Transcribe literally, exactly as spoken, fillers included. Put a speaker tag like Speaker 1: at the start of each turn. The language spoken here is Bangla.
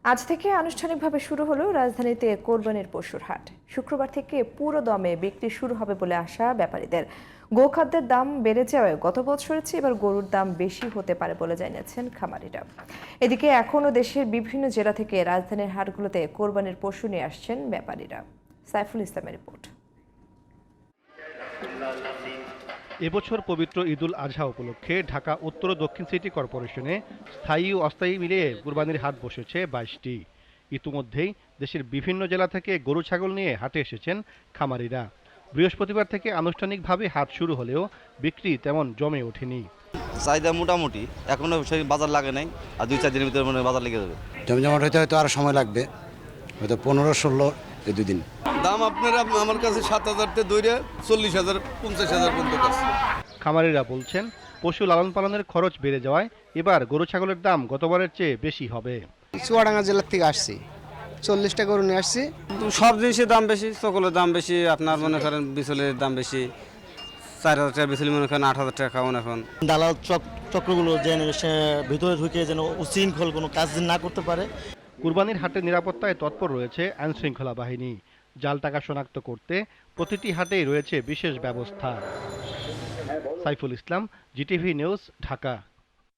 Speaker 1: আজ থেকে আনুষ্ঠানিকভাবে শুরু হলো রাজধানীতে কোরবানির পশুর হাট। শুক্রবার থেকে পুরো দমে বিক্রি শুরু হবে বলে আশা ব্যাপারীদের। গোখাদ্যের দাম বেড়ে যাওয়ায় গত বছরের চেয়ে এবার গরুর দাম বেশি হতে পারে বলে জানিয়েছেন খামারিরা। এদিকে এখনও দেশের বিভিন্ন জেলা থেকে রাজধানীর হাটগুলোতে কোরবানির পশু নিয়ে আসছেন ব্যাপারীরা। সাইফুল ইসলামের রিপোর্ট।
Speaker 2: এবছর পবিত্র ঈদুল আজহা উপলক্ষে ঢাকা উত্তর ও দক্ষিণ সিটি কর্পোরেশনে স্থায়ী ও অস্থায়ী মিলিয়ে কুরবানির হাট বসেছে বাইশটি। ইতিমধ্যেই দেশের বিভিন্ন জেলা থেকে গরু ছাগল নিয়ে হাটে এসেছেন খামারিরা। বৃহস্পতিবার থেকে আনুষ্ঠানিকভাবে হাট শুরু হলেও বিক্রি তেমন জমে ওঠেনি।
Speaker 3: চাহিদা মোটামুটি, এখনো সেই বাজার লাগে নাই, আর দুই চার দিনের ভিতরে মনে হয় বাজার লেগে যাবে।
Speaker 4: জমজমাট হইতে হয়তো আরো সময় লাগবে, হয়তো পনেরো ষোলো এই দুদিন।
Speaker 5: দাম আপনারা আমার কাছে সাত হাজার থেকে দৈরে চল্লিশ হাজার পঞ্চাশ হাজার পর্যন্ত আছে।
Speaker 2: খামারিরা বলছেন পশু লালন পালনের খরচ বেড়ে যাওয়ায় এবার গরু ছাগলের দাম গতবারের চেয়ে বেশি হবে।
Speaker 6: চুয়াডাঙ্গা জেলার থেকে আসছি, চল্লিশটা গরু নিয়ে আসছি।
Speaker 7: সব জিনিসের দাম বেশি, সকলের দাম বেশি, আপনার মনে করেন বিচলের দাম বেশি, চার হাজার টাকা বিচলি মনে করেন আট হাজার টাকা খাওয়ান। এখন
Speaker 8: দালাল চক্রগুলো যেন ভিতরে ঢুকে যেন উশৃঙ্খল কোনো কাজ না করতে পারে।
Speaker 2: কুরবানির হাটের নিরাপত্তায় তৎপর রয়েছে আইনশৃঙ্খলা বাহিনী। জাল টাকা শনাক্ত করতে প্রতিটি হাটেই রয়েছে বিশেষ ব্যবস্থা। Saiful Islam, GTV news, Dhaka.